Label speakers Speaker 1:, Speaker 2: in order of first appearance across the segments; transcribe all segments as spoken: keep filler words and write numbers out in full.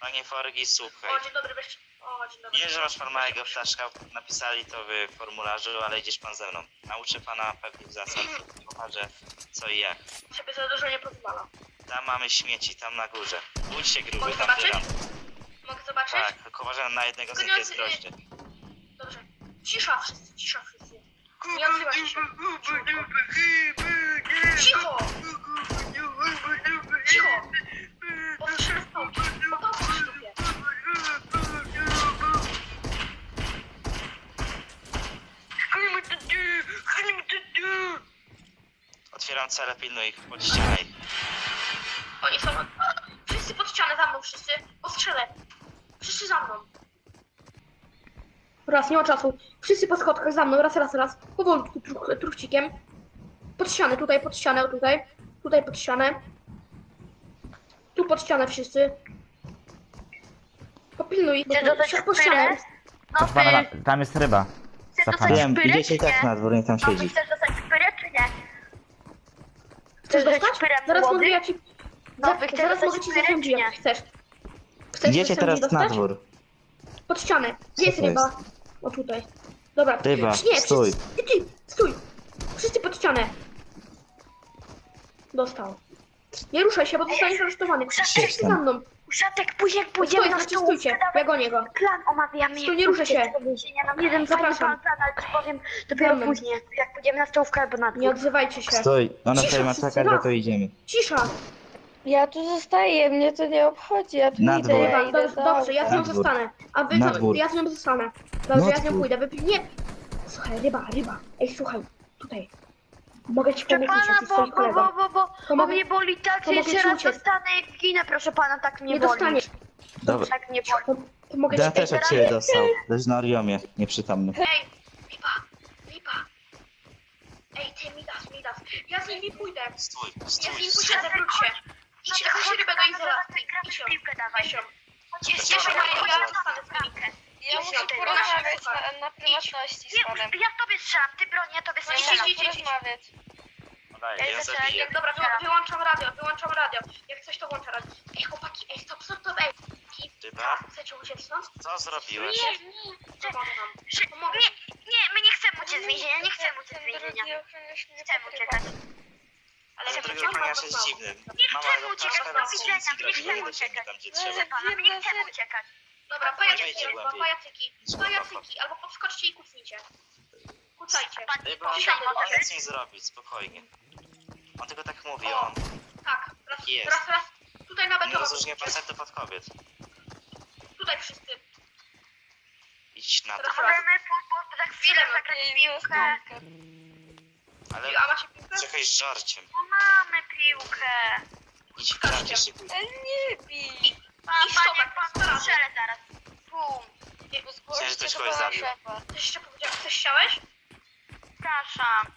Speaker 1: Panie Forgi, słuchaj.
Speaker 2: O, dzień dobry, weź. O, dzień dobry.
Speaker 1: Wiem, że masz pan małego ptaszka, napisali to w formularzu, ale idziesz pan ze mną. Nauczę pana pewnych zasad, pokażę co i jak.
Speaker 2: Ciebie za dużo nie pozwala.
Speaker 1: Tam mamy śmieci, tam na górze. Bódź się gruby,
Speaker 2: Mogę
Speaker 1: tam
Speaker 2: zobaczyć?
Speaker 1: dywan.
Speaker 2: Mogę zobaczyć?
Speaker 1: Tak, tylko uważam na jednego z nich
Speaker 2: Tylko nie
Speaker 1: jest
Speaker 2: odzy-
Speaker 1: groźny.
Speaker 2: Dobrze. Cisza wszyscy, cisza wszyscy. Nie odzywajcie się. Cicho! Cicho! Postrzelę w pałki. Po pałki w dupie.
Speaker 1: Otwieram cele, pilnuj ich, pod ścianę ich.
Speaker 2: Oni są... Wszyscy pod ścianę, za mną wszyscy. Postrzelę. Wszyscy za mną. Raz, nie ma czasu. Wszyscy po schodkach za mną, raz, raz, raz. Powolutku, truch, truchcikiem. Pod ścianę, tutaj pod ścianę, tutaj. Tutaj pod ścianę. Tu pod ścianę wszyscy. Popilnuj, bo
Speaker 3: Chcesz
Speaker 2: tu
Speaker 3: dostać
Speaker 2: po ścianę.
Speaker 3: szpyrę? No
Speaker 4: Proszę pana,
Speaker 3: ty,
Speaker 4: tam jest ryba.
Speaker 3: chcesz
Speaker 4: Za
Speaker 3: dostać
Speaker 4: panem.
Speaker 1: Wiem,
Speaker 3: szpyrę,
Speaker 1: idziecie i
Speaker 3: czy
Speaker 1: tak
Speaker 3: nie?
Speaker 1: na dwór, niech tam
Speaker 3: No ty
Speaker 1: siedzi.
Speaker 3: chcesz dostać szpyrę, czy nie?
Speaker 2: Chcesz
Speaker 3: Chcesz
Speaker 2: dostać?
Speaker 3: szpyrem
Speaker 2: Zaraz
Speaker 3: młody?
Speaker 2: mogę ja ci...
Speaker 3: No,
Speaker 2: za-
Speaker 3: wy chcesz
Speaker 2: zaraz
Speaker 3: dostać
Speaker 2: mogę ci
Speaker 3: szpyrę,
Speaker 2: zasądzić,
Speaker 3: czy
Speaker 2: jak
Speaker 3: nie?
Speaker 2: chcesz. Chcesz
Speaker 1: Idziecie
Speaker 2: zasądzić
Speaker 1: teraz na
Speaker 2: dostać?
Speaker 1: dwór.
Speaker 2: Pod ścianę. Gdzie jest
Speaker 1: Co to
Speaker 2: ryba? O tutaj. Dobra.
Speaker 1: Ryba,
Speaker 2: Nie,
Speaker 1: stój.
Speaker 2: Wszyscy, ty, ty, stój. Wszyscy pod ścianę. Dostał. Nie ruszaj się, bo zostaniesz aresztowany. Wszyscy za mną.
Speaker 3: Uszatek, później jak
Speaker 2: Pójdziemy
Speaker 3: pójdziemy
Speaker 2: na
Speaker 3: na
Speaker 2: stój,
Speaker 3: stół,
Speaker 2: stójcie. Ja gonię go.
Speaker 3: plan omawiamy.
Speaker 2: Stój, nie ruszę się.
Speaker 3: Jeden fajny
Speaker 2: Zapraszam.
Speaker 3: plan, plan, ale ci powiem dopiero
Speaker 2: Za mną.
Speaker 3: później, jak pójdziemy na stołówkę albo na
Speaker 2: Nie
Speaker 3: dwór.
Speaker 2: odzywajcie się.
Speaker 1: Stój, ona
Speaker 2: Cisza,
Speaker 1: tutaj ma
Speaker 2: wszyscy
Speaker 1: czekać,
Speaker 2: raz.
Speaker 1: bo to idziemy.
Speaker 2: Cisza.
Speaker 5: Ja tu zostaję, mnie to nie obchodzi, ja tu
Speaker 1: Na
Speaker 5: idę,
Speaker 1: dwór.
Speaker 5: ja
Speaker 2: Ryba,
Speaker 5: idę
Speaker 2: dobrze,
Speaker 5: do
Speaker 2: dobrze, ja z
Speaker 1: Na
Speaker 2: nią
Speaker 1: dwór.
Speaker 2: zostanę. A wy
Speaker 1: Na
Speaker 2: to,
Speaker 1: dwór.
Speaker 2: ja z nią zostanę. Dobrze,
Speaker 1: Na
Speaker 2: ja z nią
Speaker 1: dwór.
Speaker 2: pójdę. Wypi... Nie. Słuchaj, ryba, ryba. Ej, słuchaj. Tutaj. Mogę ci
Speaker 3: Proszę
Speaker 2: pomóc,
Speaker 3: pana,
Speaker 2: ty
Speaker 3: bo,
Speaker 2: swoich
Speaker 3: bo,
Speaker 2: kolegom.
Speaker 3: bo, bo, bo, bo
Speaker 2: Pomogę-
Speaker 3: mnie boli tak, że
Speaker 2: pomogę
Speaker 3: jeszcze
Speaker 2: ci
Speaker 3: raz
Speaker 2: uciec.
Speaker 3: dostanę i ginę, proszę pana, tak mnie
Speaker 2: Nie
Speaker 3: boli.
Speaker 2: dostaniesz.
Speaker 1: Dobra.
Speaker 3: Tak mnie boli.
Speaker 2: To, to mogę
Speaker 1: Ja
Speaker 2: ci...
Speaker 1: też od ciebie dostał. Leży na Oriomie, nieprzytomny.
Speaker 2: Ej, Lipa, Lipa. Ej, ty Midas, Midas. Ja z nimi pójdę.
Speaker 1: Stój,
Speaker 2: Ja z
Speaker 1: stój,
Speaker 2: nimi
Speaker 1: stój.
Speaker 2: pójdę, wróć się. Idź, weź rybę do izolacji. Idź ją,
Speaker 3: Piłkę dawaj.
Speaker 2: weź ją.
Speaker 3: Jest
Speaker 2: Ja
Speaker 3: jeszcze
Speaker 2: się
Speaker 3: ja
Speaker 2: ja zostanę z nimi.
Speaker 5: Ja
Speaker 2: Idź
Speaker 5: muszę
Speaker 2: na tej-
Speaker 5: porozmawiać
Speaker 2: na-
Speaker 5: na, na prywatności z
Speaker 3: Nie,
Speaker 5: panem.
Speaker 3: ja w tobie strzelam, ty broń, ja tobie
Speaker 2: No i
Speaker 3: strzelam.
Speaker 2: idź, idź, idź.
Speaker 5: porozmawiać.
Speaker 1: Podaję,
Speaker 3: Ej,
Speaker 1: ja
Speaker 3: zaczekaj,
Speaker 1: zabiję.
Speaker 3: jak-
Speaker 2: Dobra, wy, wyłączam radio, wyłączam radio. Jak coś to włączę radio. Ej, chłopaki, ej, stop, stop, stop, ej.
Speaker 1: Ryba,
Speaker 2: Chcecie uciec stąd?
Speaker 1: co zrobiłeś?
Speaker 3: Nie, nie, że-
Speaker 2: Pomogę wam.
Speaker 3: że-
Speaker 2: Pomogę.
Speaker 3: nie, nie, my nie chcemy uciec z więzienia, nie chcemy uciec z
Speaker 5: Ten
Speaker 3: więzienia.
Speaker 5: drugi ochroniarz mnie
Speaker 3: Chcemy
Speaker 5: pokrywa.
Speaker 3: uciekać.
Speaker 2: Ale
Speaker 1: Ten
Speaker 2: nie
Speaker 1: drugi
Speaker 2: wiem,
Speaker 1: ochroniarz
Speaker 2: co
Speaker 1: jest
Speaker 2: mam.
Speaker 1: dziwny.
Speaker 3: Nie
Speaker 1: Mama
Speaker 3: chcemy
Speaker 1: go
Speaker 3: uciekać,
Speaker 1: ptaszka
Speaker 3: do
Speaker 1: na
Speaker 3: widzenia,
Speaker 1: policji
Speaker 3: nie
Speaker 1: grozi,
Speaker 3: chcemy
Speaker 1: nie idziemy
Speaker 3: uciekać.
Speaker 1: tam gdzie
Speaker 5: Ale
Speaker 1: trzeba.
Speaker 3: Proszę pana, my nie chcemy uciekać.
Speaker 2: Dobra,
Speaker 1: Wejdźcie
Speaker 2: pajacyki, albo
Speaker 1: głębiej.
Speaker 2: pajacyki. Pajacyki, albo podskoczcie i kucnijcie. Kucajcie.
Speaker 1: Ryba,
Speaker 2: Cisza
Speaker 1: on
Speaker 2: była.
Speaker 1: nic nie zrobi, spokojnie. On tylko tak mówi,
Speaker 2: O.
Speaker 1: on
Speaker 2: Tak, raz,
Speaker 1: Jest.
Speaker 2: raz, raz. Tutaj na
Speaker 1: nie
Speaker 2: betonie.
Speaker 1: rozróżnia facetów od kobiet.
Speaker 2: Tutaj wszyscy.
Speaker 1: Idź na to.
Speaker 2: Raz, raz.
Speaker 3: Możemy po, po, za chwilę zagrać
Speaker 5: Ej,
Speaker 3: piłkę.
Speaker 1: Ale
Speaker 2: A macie piłkę?
Speaker 1: czekaj z żarciem.
Speaker 3: Bo mamy piłkę.
Speaker 1: Idź w kratkę szykuj.
Speaker 5: Ej, nie bij!
Speaker 3: Pan,
Speaker 2: I
Speaker 3: panie,
Speaker 2: stopek,
Speaker 3: pan
Speaker 2: staraty.
Speaker 3: strzelę zaraz. Bum.
Speaker 5: Bo zgłoście
Speaker 1: ktoś
Speaker 5: do
Speaker 1: kogoś
Speaker 5: pana
Speaker 1: zabił.
Speaker 5: szefa.
Speaker 2: Coś jeszcze powiedziałeś? Coś chciałeś?
Speaker 3: Przepraszam.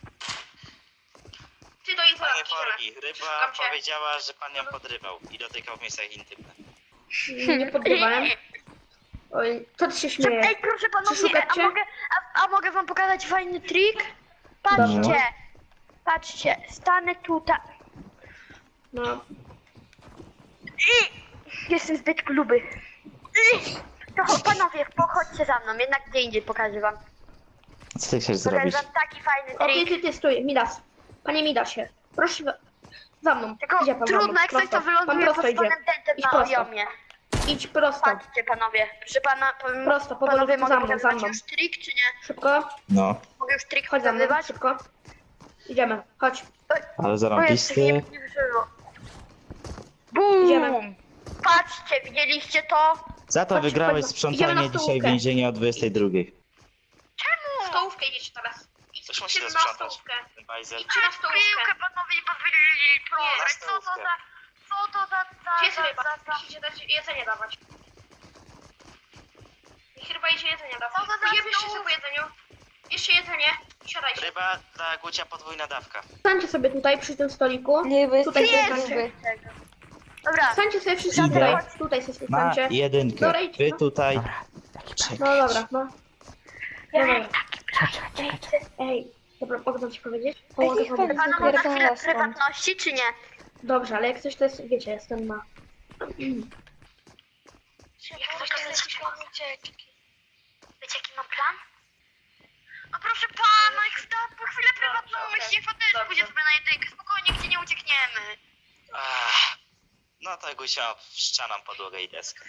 Speaker 2: Ty do
Speaker 1: Panie
Speaker 2: izolacji,
Speaker 1: Forgi,
Speaker 2: idziemy.
Speaker 1: ryba
Speaker 2: Przeszukam cię.
Speaker 1: powiedziała, że pan ją podrywał i dotykał w miejscach intymnych.
Speaker 2: Nie podrywałem. Oj, co ty się śmiejesz?
Speaker 3: Ej, proszę panowie,
Speaker 2: Przeszukać
Speaker 3: a
Speaker 2: cię?
Speaker 3: mogę, a, a mogę wam pokazać fajny trik? Patrzcie.
Speaker 1: Dobrze.
Speaker 3: Patrzcie, stanę tutaj.
Speaker 2: No,
Speaker 3: I jestem zbyt gruby. I to cho- panowie, pochodźcie za mną, jednak gdzie indziej pokażę wam.
Speaker 1: Co ty chcesz
Speaker 3: Pokażę
Speaker 1: zrobić?
Speaker 3: wam taki fajny
Speaker 2: o ty,
Speaker 3: trik.
Speaker 2: ty, ty, stój, Midas. Panie Midasie, proszę za- za mną.
Speaker 3: Tylko
Speaker 2: Idzie pan za
Speaker 3: trudno,
Speaker 2: mną.
Speaker 3: jak coś to
Speaker 2: Prosto.
Speaker 3: wyląduje
Speaker 2: Pan
Speaker 3: pod
Speaker 2: prosto idzie.
Speaker 3: spodem tentem
Speaker 2: Idź
Speaker 3: na
Speaker 2: prosto.
Speaker 3: ojomie.
Speaker 2: Idź prosto.
Speaker 3: Patrzcie panowie, proszę pana, pan,
Speaker 2: Prosto, powolutku
Speaker 3: panowie,
Speaker 2: za
Speaker 3: mogę
Speaker 2: mną, za
Speaker 3: pokazywać
Speaker 2: mną.
Speaker 3: już trik, czy nie?
Speaker 2: Szybko.
Speaker 1: No,
Speaker 3: Mogę już trik
Speaker 2: Chodź za mną,
Speaker 3: pokazywać?
Speaker 2: szybko. Idziemy, chodź.
Speaker 1: ale
Speaker 3: O Jezu, nie,
Speaker 1: zarąbisty.
Speaker 3: nie wyszło. Bum!
Speaker 2: Idziemy.
Speaker 3: Patrzcie, widzieliście to?
Speaker 1: Za to
Speaker 2: Chodź,
Speaker 1: wygrałeś
Speaker 2: chodź,
Speaker 1: sprzątanie
Speaker 2: idziemy na
Speaker 1: dzisiaj w
Speaker 2: stołówkę.
Speaker 1: więzieniu o dwudziestej drugiej.
Speaker 2: W stołówkę idziecie teraz. Idź,
Speaker 1: Coś musi
Speaker 2: idźcie
Speaker 1: to
Speaker 2: na
Speaker 1: sprzątać.
Speaker 2: stołówkę.
Speaker 1: Ten bajzer.
Speaker 2: Idźcie na stołówkę.
Speaker 3: Piłkę panowie bawili, proszę,
Speaker 1: Na
Speaker 3: co to
Speaker 1: stołówkę.
Speaker 3: za... Co to za... za,
Speaker 2: Gdzie jest
Speaker 3: za,
Speaker 2: ryba?
Speaker 3: za, za.
Speaker 2: Musicie dać jedzenie dawać. Niech ryba idzie jedzenie dawać.
Speaker 3: Co to za
Speaker 2: Jebierzcie się po
Speaker 3: stołówka?
Speaker 2: jedzeniu. Jeszcze jedzenie i siadajcie.
Speaker 1: Ryba dla Gucia podwójna dawka.
Speaker 2: Stańcie sobie tutaj przy tym stoliku.
Speaker 5: Nie, bo jest
Speaker 2: Tutaj
Speaker 5: taki
Speaker 2: jest.
Speaker 5: gruby.
Speaker 3: Dobra,
Speaker 2: Stańcie sobie wszyscy
Speaker 1: Idę.
Speaker 2: tutaj. Tutaj sobie
Speaker 1: Ma
Speaker 2: stańcie.
Speaker 1: jedynkę.
Speaker 2: Dobra, idź,
Speaker 1: Wy
Speaker 2: no.
Speaker 1: tutaj.
Speaker 4: Dobra, taki przejść.
Speaker 2: No dobra, no. Dobra.
Speaker 4: Czekaj, czekaj, czekaj.
Speaker 2: Ej, dobra, mogę wam ci powiedzieć?
Speaker 5: Ej,
Speaker 2: Pomogę
Speaker 5: niech
Speaker 2: wam.
Speaker 5: pan
Speaker 3: panowie na
Speaker 5: zapierdala
Speaker 3: chwilę
Speaker 5: stąd.
Speaker 3: prywatności, czy nie?
Speaker 2: Dobrze, ale jak coś to jest, wiecie, jestem na...
Speaker 3: ucieczki. Wiecie jaki mam plan? No proszę pana, jak sta po chwilę prywatną myśl, niech pan też
Speaker 2: dobrze.
Speaker 3: pójdzie sobie na jedynkę, spokojnie, gdzie nie uciekniemy.
Speaker 1: Ach, no to Gusia wszczanam podłogę i deskę.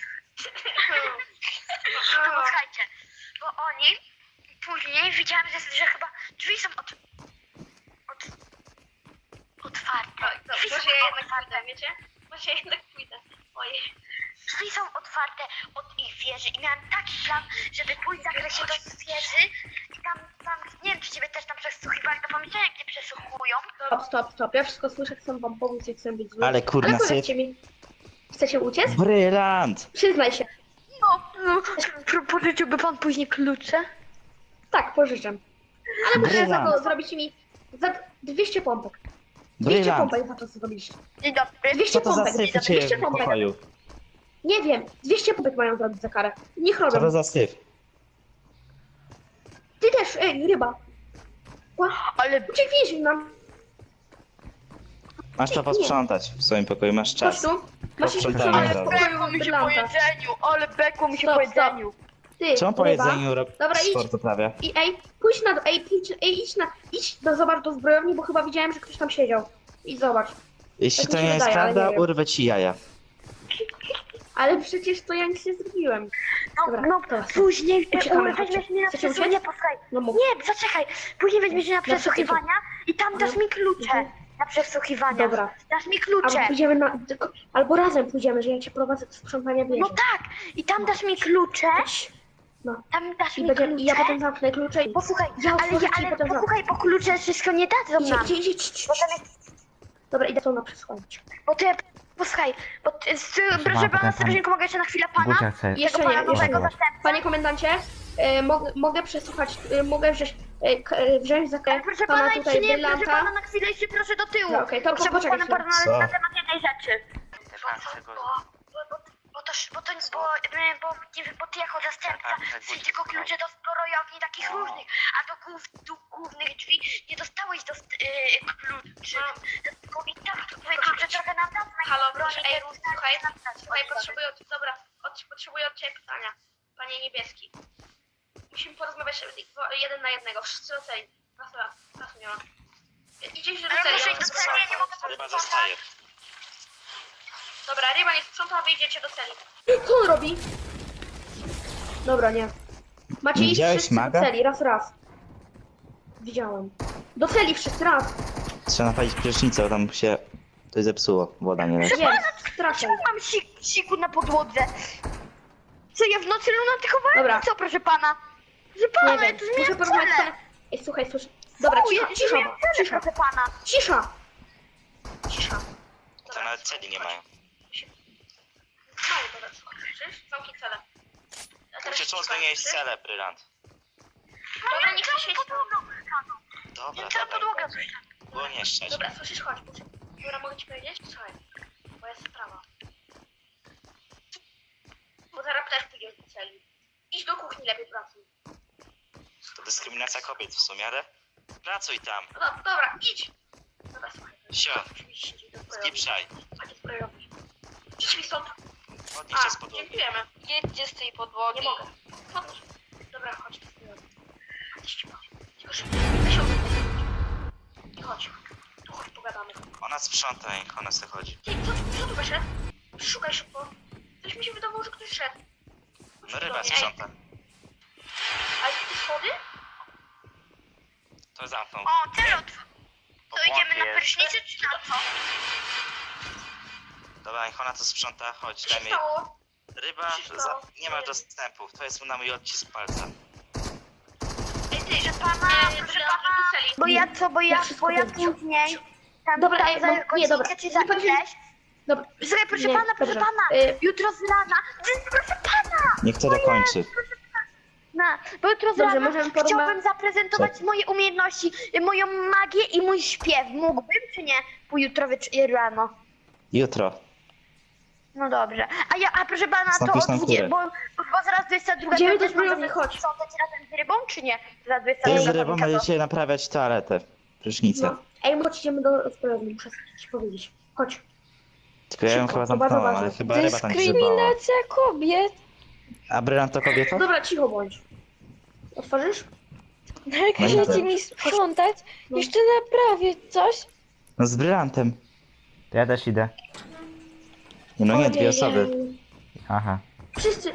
Speaker 3: No słuchajcie, bo oni później widziałem, że, że chyba drzwi są od... od... otwarte. Drzwi są
Speaker 2: Może ja jednak
Speaker 3: otwarte.
Speaker 2: pójdę, wiecie? Może ja jednak pójdę. Ojej.
Speaker 3: Drzwi są otwarte od ich wieży i miałem taki plan, żeby pójść w zakresie do wieży i tam, tam, nie wiem czy ciebie też tam przesłuchiwali, to pomieszczenie gdzie przesłuchują.
Speaker 2: Stop, stop, stop. Ja wszystko słyszę, chcę wam pomóc i chcę być zły.
Speaker 1: Ale kurna,
Speaker 2: Ale
Speaker 1: syf.
Speaker 2: powiedzcie mi, chcecie uciec?
Speaker 1: Brylant!
Speaker 2: Przyznaj się.
Speaker 3: No, no, pro- pożyczyłby pan później klucze?
Speaker 2: Tak, pożyczę. Ale muszę za
Speaker 1: Brylant!
Speaker 2: to zrobić mi za dwieście pompek. dwieście
Speaker 1: Brylant!
Speaker 2: pompek za to zrobiliście.
Speaker 3: Dzień dobry.
Speaker 2: dwieście
Speaker 1: Co to za
Speaker 2: pompek,
Speaker 1: syf u ciebie
Speaker 2: dwieście
Speaker 1: w
Speaker 2: pompek.
Speaker 1: pokoju?
Speaker 2: Nie wiem, dwieście pompek mają zrobić za karę. Niech
Speaker 1: Co to
Speaker 2: robią.
Speaker 1: za syf?
Speaker 2: Ty też, ej, ryba. Ła,
Speaker 3: Ale
Speaker 2: uciekliśmy nam.
Speaker 1: Masz to posprzątać w swoim pokoju, masz
Speaker 2: Chodź
Speaker 1: czas.
Speaker 2: tu. Masz iść
Speaker 1: Posprzątamy
Speaker 2: posprzątać w
Speaker 1: razem.
Speaker 2: pokoju
Speaker 3: bekło mi się po
Speaker 2: Brylanta.
Speaker 3: jedzeniu, ale bekło mi się
Speaker 2: Stop,
Speaker 3: po
Speaker 2: stop.
Speaker 3: jedzeniu.
Speaker 2: Ty,
Speaker 1: Czemu po
Speaker 2: ryba.
Speaker 1: jedzeniu rob
Speaker 2: Dobra, idź.
Speaker 1: sport uprawia?
Speaker 2: I ej, pójdź na, ej, pójdź, ej, idź na, idź do, zobacz do zbrojowni, bo chyba widziałem, że ktoś tam siedział. I zobacz.
Speaker 1: Jeśli
Speaker 2: Tak
Speaker 1: to
Speaker 2: mi się
Speaker 1: nie jest
Speaker 2: wydaje, ale
Speaker 1: prawda,
Speaker 2: nie wiem.
Speaker 1: urwę ci jaja.
Speaker 2: Ale przecież to ja nic nie zrobiłem.
Speaker 3: No,
Speaker 2: Dobra,
Speaker 3: no
Speaker 2: to
Speaker 3: później e,
Speaker 2: Uciekamy,
Speaker 3: weźmiesz
Speaker 2: chodźcie.
Speaker 3: mnie na
Speaker 2: Chcecie
Speaker 3: przesłuchanie,
Speaker 2: uciec?
Speaker 3: posłuchaj.
Speaker 2: No mów.
Speaker 3: Nie, zaczekaj. Później weźmiesz mnie na przesłuchiwania i tam dasz mi klucze.
Speaker 2: Mhm.
Speaker 3: Na przesłuchiwania.
Speaker 2: Dobra.
Speaker 3: Dasz mi
Speaker 2: Albo
Speaker 3: klucze.
Speaker 2: pójdziemy na, tylko, albo razem pójdziemy, że ja cię prowadzę do sprzątania wieży.
Speaker 3: No tak. I tam dasz mi klucze.
Speaker 2: No.
Speaker 3: Tam dasz
Speaker 2: I,
Speaker 3: mi
Speaker 2: będzie,
Speaker 3: klucze.
Speaker 2: I ja potem zamknę klucze i...
Speaker 3: Posłuchaj,
Speaker 2: Ja
Speaker 3: ale,
Speaker 2: otworzę
Speaker 3: ja,
Speaker 2: ci
Speaker 3: ale
Speaker 2: potem zamknę.
Speaker 3: posłuchaj, bo klucze wszystko nie dadzą
Speaker 2: Idzie,
Speaker 3: nam.
Speaker 2: idzie, idzie, idzie,
Speaker 3: Bo tam jest,
Speaker 2: Dobra, idę to na przesłanie.
Speaker 3: bo ty, posłuchaj, bo ty, z, proszę
Speaker 4: potem
Speaker 3: pana,
Speaker 4: pan-
Speaker 3: strażniku, mogę jeszcze na chwilę pana?
Speaker 4: Gucia chce...
Speaker 2: Jeszcze
Speaker 3: Tego
Speaker 2: nie,
Speaker 3: pana
Speaker 2: jeszcze
Speaker 3: nowego
Speaker 2: nie.
Speaker 3: zastępcę?
Speaker 2: Panie komendancie, e, mogę, mogę przesłuchać, e, mogę wziąć, e, k, e, wziąć za
Speaker 3: Ale proszę pana,
Speaker 2: pana
Speaker 3: jeszcze
Speaker 2: tutaj
Speaker 3: nie, proszę pana,
Speaker 2: brylanta.
Speaker 3: na chwilę jeszcze proszę do tyłu.
Speaker 2: No, okej, to
Speaker 3: Muszę
Speaker 2: poczekaj
Speaker 3: z panem
Speaker 2: chwilę.
Speaker 3: porozmawiać
Speaker 1: Co?
Speaker 3: na temat jednej rzeczy.
Speaker 1: Tak,
Speaker 3: Bo, bo, bo, bo to, bo to, bo, e, bo, nie wiem, bo ty jako zastępca chcesz tylko klucze do zbrojowni takich różnych, a do, głów, do głównych drzwi nie dostałeś do yy, kluczy. Tylko i tak twoje klucze trochę nam dadzą.
Speaker 2: Halo, proszę,
Speaker 3: broni
Speaker 2: ej,
Speaker 3: te różne,
Speaker 2: słuchaj,
Speaker 3: nam dać.
Speaker 2: słuchaj, potrzebuję, od, dobra, od, potrzebuję od ciebie pytania. Panie Niebieski. Musimy porozmawiać jeden na jednego, wszyscy oceni. Raz, raz, raz nie ma. Idziesz do
Speaker 3: Ale
Speaker 2: celi.
Speaker 3: muszę iść do celi, ja nie mogę
Speaker 1: Ryba
Speaker 3: posłuchać.
Speaker 1: zostaje.
Speaker 2: Dobra, ryba nie sprząta, a wyjdziecie do celi. Co on robi? Dobra, nie. Macie iść
Speaker 1: Widziałeś
Speaker 2: wszyscy
Speaker 1: maga?
Speaker 2: do celi, raz, raz. Widziałem. Do celi wszyscy, raz.
Speaker 1: Trzeba napalić prysznicę, bo tam się coś zepsuło. Woda nie leci.
Speaker 2: Jest, strasznie.
Speaker 3: Czemu mam sik, siku na podłodze? Co, ja w nocy lunatykowałem?
Speaker 2: Dobra.
Speaker 3: Co, proszę pana? Proszę
Speaker 2: Nie
Speaker 3: pana, ja
Speaker 2: wiem,
Speaker 3: tu
Speaker 2: muszę
Speaker 3: zmieniam
Speaker 2: porozmawiać z
Speaker 3: cele.
Speaker 2: panem. Ej, słuchaj, słuchaj. Dobra,
Speaker 3: U,
Speaker 2: cisza,
Speaker 3: ja
Speaker 2: cisza,
Speaker 3: zmieniam cele,
Speaker 2: cisza,
Speaker 3: proszę pana.
Speaker 2: cisza. Cisza.
Speaker 1: To nawet celi nie mają.
Speaker 2: Mało, dobra, słuchaj, słyszysz? Zamknij celę. A teraz
Speaker 1: Kurczę, czemu
Speaker 2: cisza,
Speaker 1: zmieniłeś
Speaker 2: słyszysz?
Speaker 1: celę, Brylant?
Speaker 2: Dobra, nie chcę się
Speaker 1: Dobra,
Speaker 3: Nie cała
Speaker 1: dobra.
Speaker 3: podłoga słyszę.
Speaker 1: Było nie szczerze.
Speaker 2: Dobra, słyszysz, chodź. Dobra, mogę ci powiedzieć? Słuchaj, bo jest sprawa. Bo zaraz też pójdziesz do celi. Idź do kuchni, lepiej pracuj.
Speaker 1: To dyskryminacja kobiet w sumie, ale pracuj tam.
Speaker 2: No dobra, dobra, idź. Dobra, słuchaj.
Speaker 1: Sio,
Speaker 2: Oczywiście, idź do zbrojowni.
Speaker 1: spieprzaj.
Speaker 2: A nie zbrojowni. Idź mi stąd.
Speaker 1: Podnieś się z
Speaker 2: A,
Speaker 1: podłogi.
Speaker 2: dziękujemy.
Speaker 5: Jedźcie z tej podłogi.
Speaker 2: Nie mogę. Podnieś. Dobra, chodź do zbrojowni. Chodź, szybko. Tylko szybko. Weź ją. I chodź. Tu chodź, pogadamy.
Speaker 1: Ona sprząta, jak ona se chodzi.
Speaker 2: Ty, co, co tu wyszedł? Szukaj szybko. Coś mi się wydawało, że ktoś szedł.
Speaker 1: No ryba sprząta.
Speaker 2: Ale te schody?
Speaker 1: To zamknął.
Speaker 3: O, tyle od...
Speaker 1: Po
Speaker 3: To idziemy
Speaker 1: błądzie
Speaker 3: na
Speaker 1: jest.
Speaker 3: prysznicę czy na co?
Speaker 1: Dobra, niech ona to sprząta, chodź,
Speaker 2: Co się
Speaker 1: dajmy jej.
Speaker 2: stało?
Speaker 1: Ryba,
Speaker 2: Co się
Speaker 1: za...
Speaker 2: stało?
Speaker 1: nie ma dostępu, to jest na mój odcisk palca.
Speaker 2: Ej, ty, że
Speaker 3: Pana,
Speaker 2: Nie,
Speaker 3: proszę
Speaker 2: nie,
Speaker 3: pana.
Speaker 2: do celi.
Speaker 3: Bo ja co, bo
Speaker 2: Ja
Speaker 3: ja,
Speaker 2: wszystko
Speaker 3: bo ja
Speaker 2: wiem.
Speaker 3: później... Tam,
Speaker 2: Dobra,
Speaker 3: tam
Speaker 2: ej,
Speaker 3: za
Speaker 2: no,
Speaker 3: godzinkę
Speaker 2: nie, dobra.
Speaker 3: czy
Speaker 2: Nie
Speaker 3: za
Speaker 2: chodzi-
Speaker 3: ileś.
Speaker 2: Dobra.
Speaker 3: Słuchaj, proszę
Speaker 2: Nie,
Speaker 3: pana, proszę
Speaker 2: dobrze.
Speaker 3: pana.
Speaker 2: Y-
Speaker 3: Jutro z rana. Ty, proszę pana.
Speaker 1: Niech to dokończy.
Speaker 3: Na, bo jutro z
Speaker 2: Dobrze,
Speaker 3: rana
Speaker 2: możemy porozma-
Speaker 3: chciałbym zaprezentować
Speaker 1: Co?
Speaker 3: moje umiejętności, y, moją magię i mój śpiew. Mógłbym, czy nie? Jutro wiecz- rano.
Speaker 1: Jutro.
Speaker 3: No dobrze. A ja, a proszę pana, to
Speaker 1: Napisz
Speaker 3: o
Speaker 1: na
Speaker 3: dwudziestej,
Speaker 1: górę.
Speaker 3: bo, bo zaraz dwudziesta druga
Speaker 2: Idziemy
Speaker 3: to
Speaker 2: do
Speaker 3: też mam
Speaker 2: zbrojowni, chodź.
Speaker 3: sprzątać razem z rybą, czy nie? Zaraz dwudziesta
Speaker 1: Ty z
Speaker 3: druga
Speaker 1: rybą
Speaker 3: pamiętam to.
Speaker 1: będziecie naprawiać toaletę. Prysznicę.
Speaker 2: No. Ej, chodź, idziemy do zbrojowni, muszę ci powiedzieć. Chodź.
Speaker 1: Tylko ja ją
Speaker 2: Szybko,
Speaker 1: chyba
Speaker 2: to bardzo
Speaker 1: zamknąłem, ale
Speaker 2: ważne.
Speaker 1: chyba ryba tam się bała.
Speaker 5: Dyskryminacja kobiet.
Speaker 1: A brylant to kobieta?
Speaker 2: Dobra, cicho bądź. Otworzysz?
Speaker 5: No jak
Speaker 1: No i
Speaker 5: chcecie
Speaker 1: co?
Speaker 5: mi sprzątać,
Speaker 2: No.
Speaker 5: jeszcze naprawić coś?
Speaker 1: No z brylantem.
Speaker 4: To ja też idę.
Speaker 1: No nie, dwie
Speaker 2: Ojej.
Speaker 1: osoby.
Speaker 4: Aha.
Speaker 2: Wszyscy.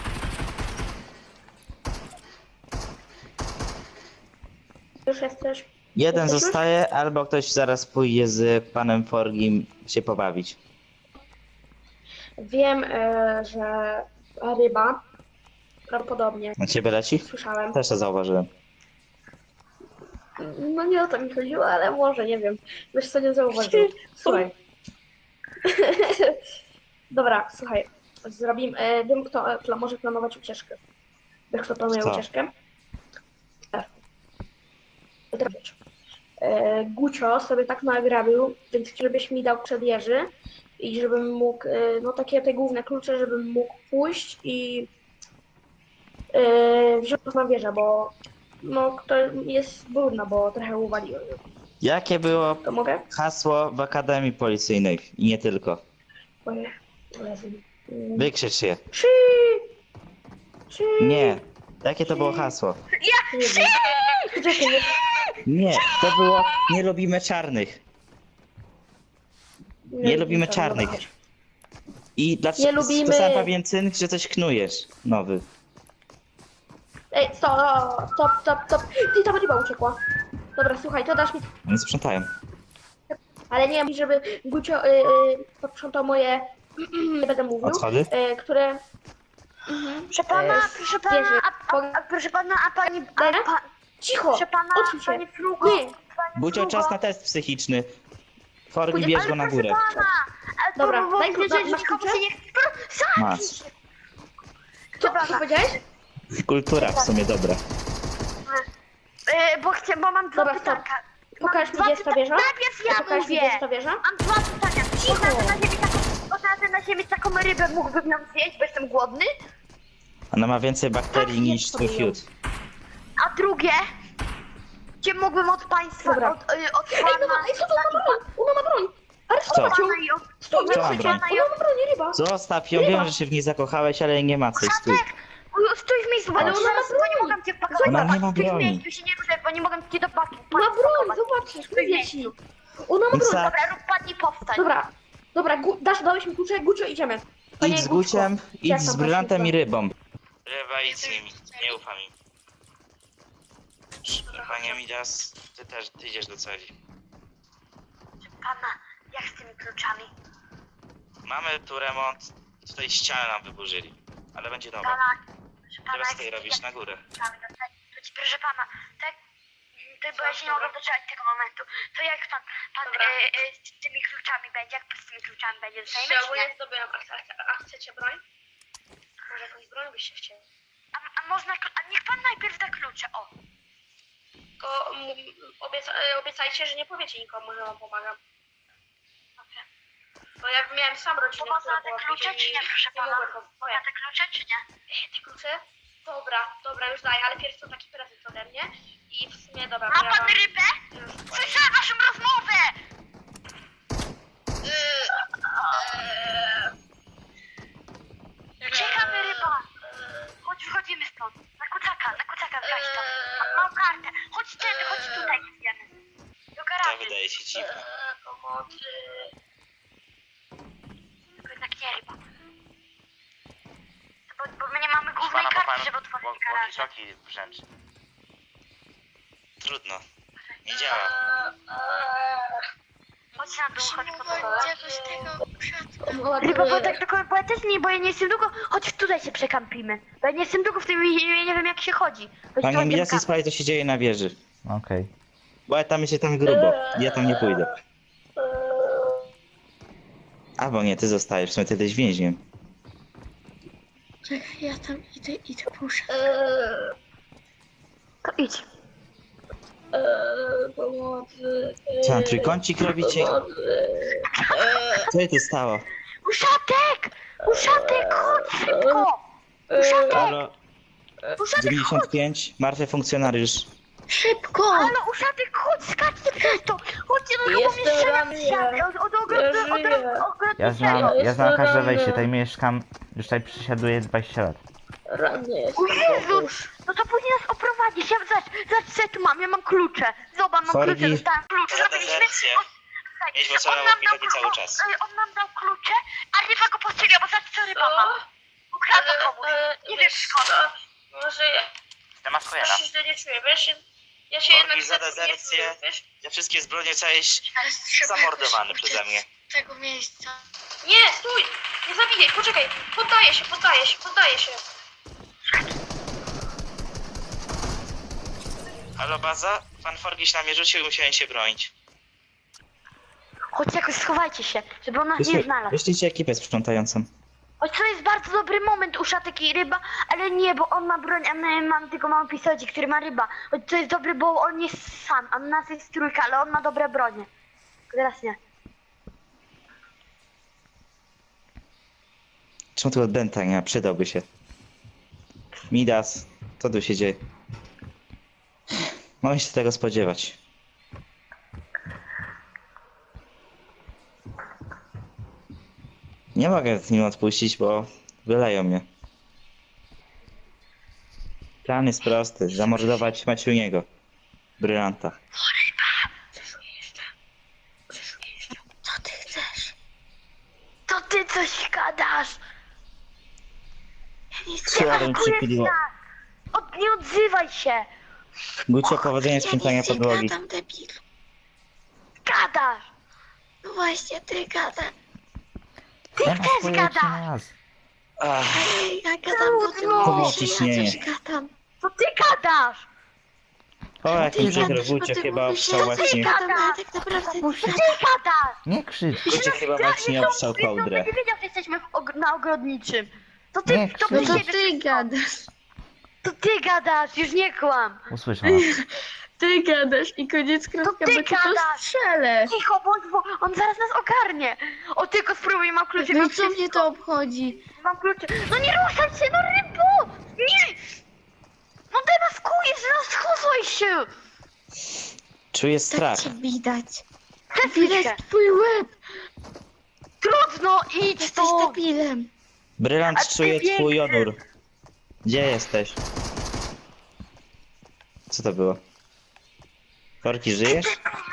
Speaker 2: Już jesteś.
Speaker 1: Jeden
Speaker 2: Jesteś już?
Speaker 1: zostaje, albo ktoś zaraz pójdzie z panem Forgim się pobawić.
Speaker 2: Wiem, e, że ryba prawdopodobnie
Speaker 1: Na ciebie leci?
Speaker 2: słyszałem.
Speaker 1: Też to zauważyłem.
Speaker 2: No nie o to mi chodziło, ale może, nie wiem. Wiesz co, nie zauważyłem. Słuchaj. Dobra, słuchaj. Zrobimy, e, wiem kto e, pla, może planować ucieczkę. Wiesz kto planuje
Speaker 1: Kto?
Speaker 2: ucieczkę? E. Teraz wiesz. E, Gucio sobie tak nagrabił, więc żebyś mi dał przed Jerzy i żebym mógł, e, no takie te główne klucze, żebym mógł pójść i e, wziąć na wieżę, bo no to jest brudno, bo trochę uwaliłem.
Speaker 1: Jakie było
Speaker 2: To mogę?
Speaker 1: hasło w Akademii Policyjnej? I nie tylko.
Speaker 2: Ojej. Jezu. Mm.
Speaker 1: Wykrzycz je.
Speaker 2: Trzy! Trzy!
Speaker 1: Nie. Jakie to było hasło?
Speaker 2: Nie wiem. Poczekaj, nie.
Speaker 1: Nie, to było nie lubimy czarnych. Nie lubimy
Speaker 2: wiem,
Speaker 1: czarnych.
Speaker 2: dobra.
Speaker 1: I dlaczego
Speaker 2: Nie lubimy-
Speaker 1: to sam pewien cynk, że coś knujesz nowy.
Speaker 2: Ej, stop, stop, stop, stop. Ty, ta ryba uciekła. Dobra, słuchaj, to dasz mi...
Speaker 1: Oni sprzątają.
Speaker 2: Ale nie wiem, żeby Gucio y, y, posprzątał moje... nie będę mówił.
Speaker 1: Odchody?
Speaker 2: Y, które...
Speaker 3: Proszę pana,
Speaker 2: E,
Speaker 3: proszę pana,
Speaker 2: wieży.
Speaker 3: a, a, a proszę pana, a pani, a,
Speaker 2: Dobra?
Speaker 3: pa,
Speaker 2: Cicho!
Speaker 3: proszę pana,
Speaker 2: Odsuń się.
Speaker 3: pani Frugo,
Speaker 2: Nie.
Speaker 3: pani
Speaker 1: Bucio,
Speaker 3: Frugo.
Speaker 1: czas na test psychiczny. Forgi,
Speaker 2: Pójdzie-
Speaker 1: bierz
Speaker 3: Ale
Speaker 1: go na
Speaker 3: proszę
Speaker 1: górę.
Speaker 3: pana, a
Speaker 2: Dobra,
Speaker 3: to, bo,
Speaker 2: daj
Speaker 3: bo,
Speaker 2: klucze,
Speaker 3: że
Speaker 2: masz
Speaker 3: nikomu
Speaker 2: klucze?
Speaker 3: się nie chce. Pro- Zamknij
Speaker 1: Masz.
Speaker 3: się.
Speaker 2: Co, co powiedziałeś?
Speaker 1: Kultura w sumie dobra.
Speaker 3: E, bo, chcę, bo mam dwa
Speaker 2: Dobra, stop.
Speaker 3: pytanka.
Speaker 2: Pokaż mi,
Speaker 3: Mam
Speaker 2: gdzie jest ta
Speaker 3: dwa
Speaker 2: wieża.
Speaker 3: pyta- Najpierw ja
Speaker 2: Pokaż mi,
Speaker 3: mówię.
Speaker 2: gdzie jest ta wieża.
Speaker 3: Mam dwa pytania. Można na ziemi taką, można na ziemi taką rybę, mógłbym ją zjeść, bo jestem głodny.
Speaker 1: Ona ma więcej bakterii
Speaker 2: Tak,
Speaker 1: niż
Speaker 2: jest
Speaker 1: twój
Speaker 2: sobie
Speaker 1: fiut.
Speaker 3: A drugie, gdzie mógłbym od państwa,
Speaker 2: Dobra.
Speaker 3: od, y, od
Speaker 2: Ej,
Speaker 3: pana...
Speaker 2: no, no, ej, co to ona ma broń? Ona ma broń! Aresztować
Speaker 1: Co?
Speaker 2: ją!
Speaker 3: Pana i od...
Speaker 2: Stój,
Speaker 1: Co ma
Speaker 2: nie
Speaker 1: broń?
Speaker 2: Ona ma broń, ryba!
Speaker 1: Zostaw ją, wiem, że się w niej zakochałeś, ale nie ma co, stój.
Speaker 3: Uj, Stój w miejscu, ale
Speaker 1: Patrz.
Speaker 3: ona ma broń! Bo nie mogę cię pakować.
Speaker 1: Ona nie ma
Speaker 3: Stój w
Speaker 1: broni.
Speaker 3: miejscu, się nie ruszaj, bo nie mogę cię do paki.
Speaker 2: Ma broń, zobaczysz, mówię ci! Ona ma broń!
Speaker 1: Za-
Speaker 3: Dobra, rób padnij, powstań.
Speaker 2: Dobra, dobra, gu, dasz, dałeś mi klucze, Gucio, idziemy. Panie
Speaker 1: Idź z
Speaker 2: Gućko,
Speaker 1: Guciem, idź
Speaker 2: jak
Speaker 1: z
Speaker 2: tam
Speaker 1: brylantem
Speaker 2: poszło?
Speaker 1: i rybą. Ryba, idź z nimi, nie ufam im. Panie Midas, ty też, ty idziesz do celi.
Speaker 3: Pana, jak z tymi kluczami?
Speaker 1: Mamy tu remont, tutaj ścianę nam wyburzyli, ale będzie nowa.
Speaker 3: Pana, proszę pana,
Speaker 1: Teraz
Speaker 3: jak
Speaker 1: ty
Speaker 3: z
Speaker 1: robisz na górę.
Speaker 3: kluczami? To ci, proszę pana, tak, to, bo ja się nie mogę doczekać tego momentu. To jak pan, pan e, e, z tymi kluczami będzie, jak z tymi kluczami będzie? Dostajemy, czy nie?
Speaker 2: zdobyłam, a, a, a chcecie broń? Może jakąś broń byście chcieli?
Speaker 3: A, a można, klu- a niech pan najpierw da klucze, o.
Speaker 2: Tylko mm, obieca, e, obiecajcie, że nie powiecie nikomu, że wam pomagam.
Speaker 3: Dobrze.
Speaker 2: Bo ja miałem sam rodzinę,
Speaker 3: Można
Speaker 2: która
Speaker 3: te
Speaker 2: była
Speaker 3: klucze,
Speaker 2: później
Speaker 3: czy nie, proszę
Speaker 2: nie
Speaker 3: pana?
Speaker 2: mogłem po-
Speaker 3: Można te klucze, czy nie?
Speaker 2: E, Te klucze? Dobra, dobra, już daję, ale pierwszy to taki prezent ode mnie. I w sumie, dobra,
Speaker 3: Ma
Speaker 2: to ja
Speaker 3: pan
Speaker 2: wam
Speaker 3: rybę?
Speaker 2: już
Speaker 3: Słyszałem waszą rozmowę! Czekamy ryba! Chodź, wchodzimy stąd. Na kucaka, na kucaka zgaś to. Ma, mam kartę. Chodź tędy, chodź tutaj, idziemy. Do
Speaker 1: To
Speaker 3: garażu.
Speaker 1: wydaje się dziwne.
Speaker 2: e, pomocy.
Speaker 3: Tylko jednak nie ryba. Bo, bo my nie mamy głównej karty, żeby otworzyć garaż.
Speaker 1: wręcz. Trudno. Nie działa.
Speaker 3: Chodź na dół, chodź po dole.
Speaker 2: Pomocy.
Speaker 3: Ryba, bo tak tylko, bo ja też nie, bo ja nie jestem długo. Chodź tutaj się przekampimy. Bo ja nie jestem długo w tym i nie, nie wiem jak się chodzi. Chodź
Speaker 1: Panie
Speaker 3: tu,
Speaker 1: Midas,
Speaker 3: idziemy
Speaker 1: sprawdź co się dzieje na wieży.
Speaker 4: Okej.
Speaker 1: Bo ja tam jest tam grubo. Ja tam nie pójdę. Albo nie, ty zostajesz, w sumie ty jesteś więźniem.
Speaker 5: Czekaj, ja tam idę, idę, proszę.
Speaker 2: Eee,
Speaker 3: To idź.
Speaker 2: eee, pomocy.
Speaker 1: Co tam, trójkącik robicie?
Speaker 2: Pomocy.
Speaker 1: Co się tu stało?
Speaker 3: Uszatek! Uszatek, chodź szybko! Uszatek,
Speaker 1: Halo,
Speaker 3: uszatek, chodź!
Speaker 1: dziewięćdziesiąt pięć, martwy funkcjonariusz.
Speaker 5: Szybko!
Speaker 3: Halo, uszatek, chodź, skaczcie przez to! Chodźcie do tego
Speaker 2: Jestem
Speaker 3: pomieszczenia
Speaker 2: ranny.
Speaker 3: od, od ogrodu,
Speaker 2: Ja żyję.
Speaker 3: od ogrodu
Speaker 4: Ja znam,
Speaker 2: Ja
Speaker 4: ja znam
Speaker 2: jestem
Speaker 4: każde
Speaker 2: ranny.
Speaker 4: wejście, tutaj mieszkam, już tutaj przysiaduję dwadzieścia lat.
Speaker 2: Ranny jest.
Speaker 3: O Jezus! No to później nas oprowadzisz. Ja zobacz, zobacz co ja tu mam, ja mam klucze. Zobacz, mam
Speaker 4: Forgi.
Speaker 3: klucze, dostałem klucze.
Speaker 1: Za
Speaker 3: Zrobiliśmy...
Speaker 1: dezercję.
Speaker 3: Słuchaj,
Speaker 1: Mieliśmy
Speaker 3: on
Speaker 1: całe
Speaker 3: nam dał
Speaker 1: opiekę cały
Speaker 3: klu-
Speaker 1: czas.
Speaker 3: o- On nam dał klucze, a ryba go postrzeliła, bo zobacz co ryba ma. Ukradł komuś. Nie wiem skąd.
Speaker 2: Może ja,
Speaker 1: Ja mam Kojena.
Speaker 2: ja się źle nie czuję, wiesz? Ja się
Speaker 1: Forgi
Speaker 2: jednak
Speaker 1: za
Speaker 2: za tym nie
Speaker 1: dezercję.
Speaker 2: czuję, wiesz?
Speaker 1: Ja wszystkie zbrodnie zostałeś zamordowany przeze mnie.
Speaker 3: Tego miejsca.
Speaker 2: Nie, stój! Nie zabijaj, poczekaj! Poddaję się, poddaję się, poddaję się!
Speaker 1: Halo baza? Pan Forgiś na mnie rzucił i musiałem się bronić.
Speaker 3: Chodź jakoś schowajcie się, żeby on nas nie znalazł.
Speaker 4: Wyślijcie ekipę sprzątającą.
Speaker 3: Choć to jest bardzo dobry moment u Szatek i ryba, ale nie, bo on ma broń, a my mamy tylko mały pistolet, który ma ryba. Choć to jest dobry, bo on jest sam, a nas jest trójka, ale on ma dobre bronie. Teraz nie.
Speaker 4: Czemu tu od Benta nie ma? Przydałby się. Midas, co tu się dzieje? Mogę się tego spodziewać. Nie mogę z nim odpuścić, bo wyleją mnie. Plan jest prosty. Zamordować Maciuniego. Brylanta.
Speaker 3: Co ty chcesz? To ty coś gadasz! Ja nic nie
Speaker 4: Słowem
Speaker 3: atakujesz
Speaker 4: przypiliło.
Speaker 3: nas! Od, nie odzywaj się!
Speaker 4: Gucio, powodzenia sprzątania podłogi.
Speaker 3: Gadam, debil. Gadasz!
Speaker 5: No właśnie, ty gadasz.
Speaker 3: Ty
Speaker 4: Ja
Speaker 3: też
Speaker 4: mam
Speaker 3: gadasz!
Speaker 4: nas. Ach,
Speaker 5: Ej, ja gadam, bo ty
Speaker 3: Trudno.
Speaker 5: mówisz, że ja
Speaker 4: Ciśnienie.
Speaker 5: coś gadam.
Speaker 3: To ty gadasz!
Speaker 4: o, jak mi
Speaker 5: Ty
Speaker 4: przykro,
Speaker 5: gadasz, bo
Speaker 4: Gucio
Speaker 5: ty
Speaker 4: chyba
Speaker 5: mówisz,
Speaker 4: obszał
Speaker 5: że ja coś
Speaker 4: właśnie...
Speaker 5: gadam, ale tak naprawdę ty
Speaker 3: Ty
Speaker 5: gadasz.
Speaker 3: gadasz!
Speaker 4: Nie krzycz. Gucio chyba właśnie obszał kołdrę.
Speaker 3: Nie wiedział, że jesteśmy w og- na ogrodniczym. To ty,
Speaker 4: Nie,
Speaker 3: to
Speaker 4: no
Speaker 3: ty,
Speaker 4: to
Speaker 3: siebie-
Speaker 5: Ty gadasz.
Speaker 3: to ty gadasz, już nie kłam!
Speaker 4: Usłyszała.
Speaker 5: Ty gadasz i koniec kropka,
Speaker 3: ty
Speaker 5: bo cię to
Speaker 3: gadasz.
Speaker 5: strzelę.
Speaker 3: Cicho bądź, bo on zaraz nas ogarnie! O, tylko spróbuj, mam klucze,
Speaker 5: No
Speaker 3: mam
Speaker 5: i co mnie
Speaker 3: wszystko.
Speaker 5: to obchodzi?
Speaker 3: Mam klucze. No nie ruszaj się, no rybo! Nie! No demaskujesz, rozchozoj się!
Speaker 4: Czuję strach.
Speaker 5: Tak cię widać.
Speaker 3: Przesuń się!
Speaker 5: Widać twój łeb.
Speaker 3: Trudno, idź
Speaker 5: Jesteś
Speaker 3: tu!
Speaker 5: debilem.
Speaker 4: Brylant
Speaker 3: A ty
Speaker 4: czuje
Speaker 3: piękny.
Speaker 4: twój odór. Gdzie jesteś? Co to było? Forki, żyjesz?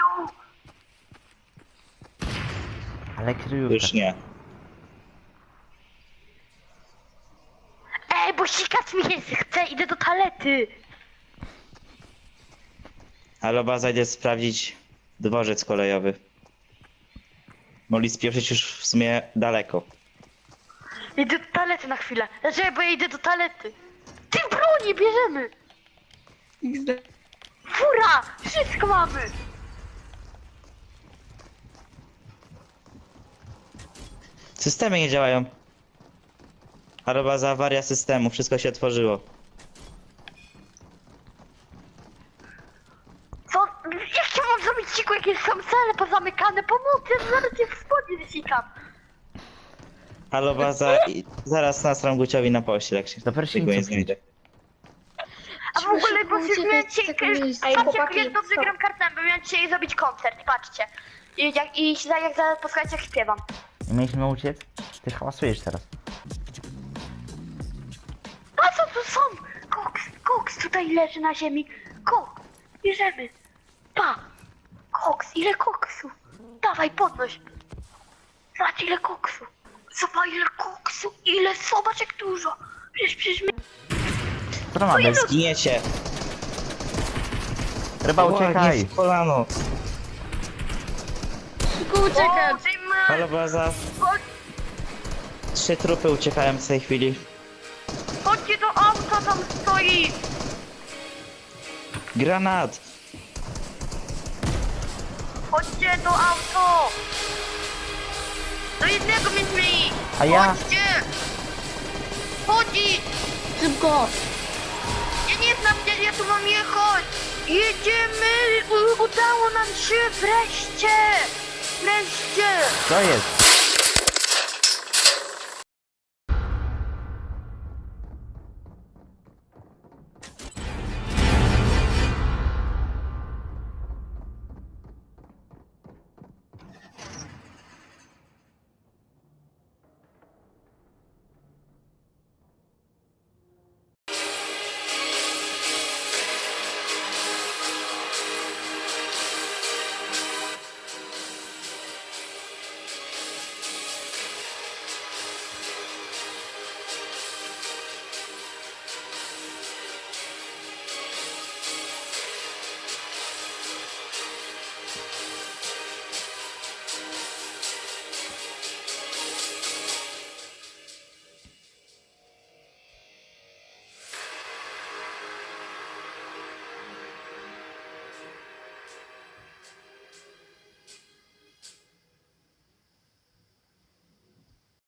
Speaker 4: Ale kryjówka.
Speaker 2: Tak.
Speaker 4: Już nie.
Speaker 3: Ej, bo sikać mi się chce, idę do toalety!
Speaker 4: Ale baza idzie sprawdzić dworzec kolejowy. Mogli spieprzyć już w sumie daleko.
Speaker 3: Idę do toalety na chwilę. Dlaczego? Bo ja idę do toalety. Ty broni bierzemy! Fura! Wszystko mamy!
Speaker 4: Systemy nie działają. Ale baza awaria systemu, wszystko się otworzyło.
Speaker 3: Co? Jak ja mam zrobić ciku, jakieś są cele pozamykane? Pomocy, ja zaraz cię w spodnie wysikam.
Speaker 4: Halo baza, i zaraz nasram Guciowi na pościel, jak się
Speaker 6: Do
Speaker 4: tego nie
Speaker 6: pryszniców
Speaker 4: znajdę.
Speaker 3: A w ogóle, bo
Speaker 5: Muszę
Speaker 3: miałem
Speaker 5: uciekać z
Speaker 3: dzisiaj,
Speaker 5: tego miejsca.
Speaker 2: Ej,
Speaker 3: patrzcie, jak
Speaker 2: chłopaki,
Speaker 3: ja dobrze
Speaker 2: co?
Speaker 3: gram kartami, bo miałem dzisiaj zrobić koncert, patrzcie. I jak, i za- jak zaraz posłuchajcie, jak śpiewam.
Speaker 6: Nie mieliśmy uciec? Ty hałasujesz teraz.
Speaker 3: A co tu są? Koks, koks tutaj leży na ziemi. Koks, bierzemy. Pa, koks, ile koksu. Dawaj, podnoś. Zobacz, ile koksu. Zobacz, ile koksu, ile, zobacz, jak dużo. Przecież, przecież my...
Speaker 6: Co to ma być?
Speaker 4: Zginiecie!
Speaker 6: Ryba,
Speaker 4: Ła, nie
Speaker 6: uciekaj!
Speaker 4: w kolano!
Speaker 5: Szybko uciekać.
Speaker 3: O, dymy.
Speaker 4: Halo baza, trzy trupy uciekają w tej chwili.
Speaker 3: Chodźcie do auta, tam stoi.
Speaker 4: Granat!
Speaker 3: Chodźcie do auto. Do jednego mieliśmy iść.
Speaker 6: A ja?
Speaker 3: Chodźcie. Chodzi.
Speaker 5: Szybko.
Speaker 3: Ja nie znam, gdzie ja tu mam jechać. Jedziemy. U- udało nam się wreszcie. Wreszcie.
Speaker 6: Co jest?